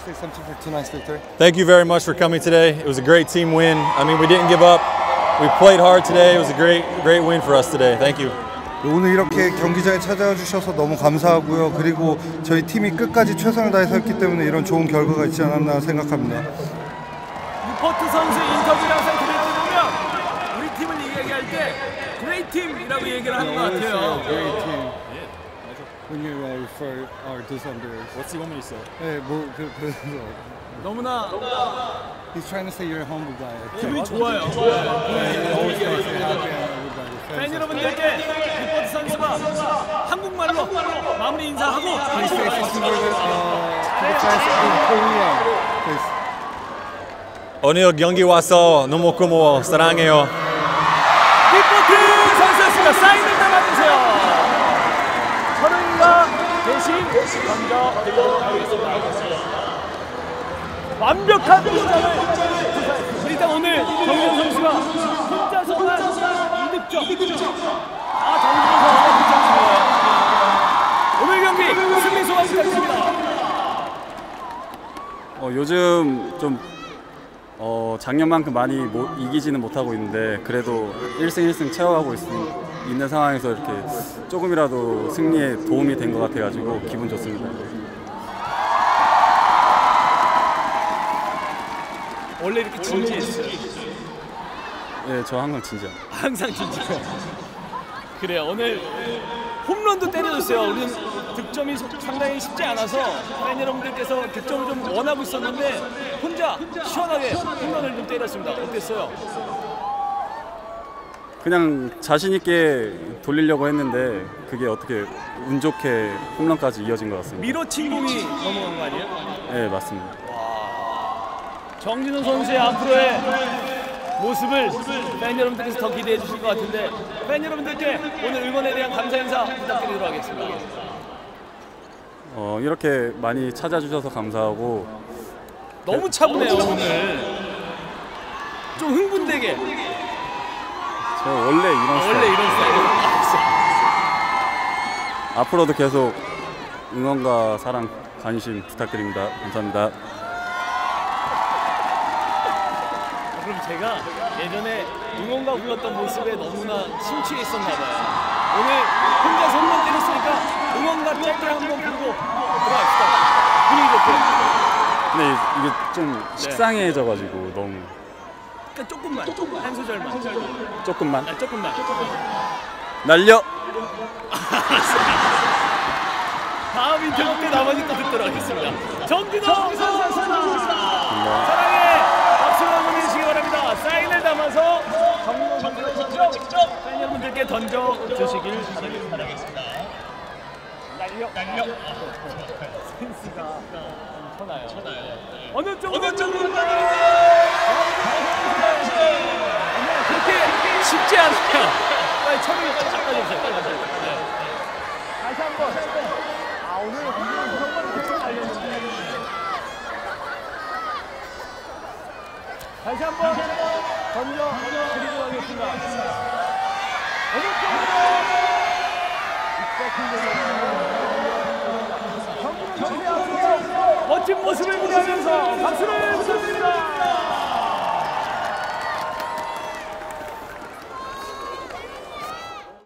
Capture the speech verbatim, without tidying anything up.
say something for tonight's victory? Thank you very much for coming today. It was a great team win. I mean, we didn't give up. We played hard today. It was a great, great win for us today. Thank you. 오늘 이렇게 경기장에 찾아와 주셔서 너무 감사하고요. 그리고 저희 팀이 끝까지 최선을 다해서 했기 때문에 이런 좋은 결과가 있지 않았나 생각합니다. 루퍼트 선수 인터뷰를 항상 들을 때 보면 우리 팀을 이야기할 때 great team이라고 얘기를 하는 것 같아요. Great team. When you uh, refer our defenders. What's he want me to say? 네, 뭐 그, 그래서 너무나 He's trying to say you're a humble guy. 기분이 좋아요. Always tries to happy everybody. 팬 여러분들께 루퍼트 선수가 한국말로 마무리 인사하고 Please say something for the, uh, to the fans in Korea, please. 오늘 경기 와서 너무 고마워. 사랑해요. 루퍼트 선수였습니다. 사인을 담아주세요. 서른이가 대신 먼저 드리도록 하겠습니다. 완벽한 도전을 일단 오늘 정준 선수가 혼자서만 이 득점 다 정준 선수가 득점이에요. 오늘 경기 승리 소감 부탁드립니다. 어, 요즘 좀 어, 작년만큼 많이 못, 이기지는 못하고 있는데 그래도 일승 일승 채워가고 있, 있는 상황에서 이렇게 조금이라도 승리에 도움이 된 것 같아가지고 기분 좋습니다. 원래 이렇게 진지했어요? 네, 저 항상 진지합니다. 항상 진지해요. 그래요. 오늘 홈런도 때려줬어요. 우리는 득점이 상당히 쉽지 않아서 팬 여러분들께서 득점을 좀 원하고 있었는데 혼자 시원하게 홈런을 좀 때렸습니다. 어땠어요? 그냥 자신 있게 돌리려고 했는데 그게 어떻게 운 좋게 홈런까지 이어진 것 같습니다. 밀어친 공이 넘어간 거 아니에요? 네, 맞습니다. 정진호 선수의 앞으로의 모습을 팬 여러분들께서 더 기대해 주실 것 같은데 팬 여러분들께 오늘 응원에 대한 감사 인사 부탁드리도록 하겠습니다. 어, 이렇게 많이 찾아주셔서 감사하고 너무 차분해요 오늘. 좀 흥분되게. 저 원래 이런 아, 스타일. 원래 이런 스타일이에요. 앞으로도 계속 응원과 사랑, 관심 부탁드립니다. 감사합니다. 그럼 제가 예전에 응원가 불렀던 모습에 너무나 심취해 있었나 봐요. 오늘 혼자 손만 때렸으니까 응원가 짧게 한번 부르고 들어갑시다. 분위기 좋게. 근데 이게 좀 식상해져가지고 너무. 그러니까 조금만, 한 소절만. 조금만. 아, 조금만. 날려. 다음 인터뷰 때 나머지 또 듣도록 하겠습니다. 정진호 선수였습니다. 사랑해. 박수로 응원해주시기 바랍니다. 사인을 담아서 정진호 선수가 직접 팬 여러분들께 던져주시길 바라겠습니다. 날려. 날려. 센스가 쳐나요. 어느 쪽으로 어느 쪽으로 그렇게 쉽지 않아요. 빨리 처음에 빨리 닦아주세요. 빨리 닦아주세요. 다시 한 번. 아, 오늘 정말 대충 알렸는데. 다시 한 번 던져 드리도록 하겠습니다. 어느 쪽으로 멋진 모습을 기대하면서 박수를 부탁드립니다.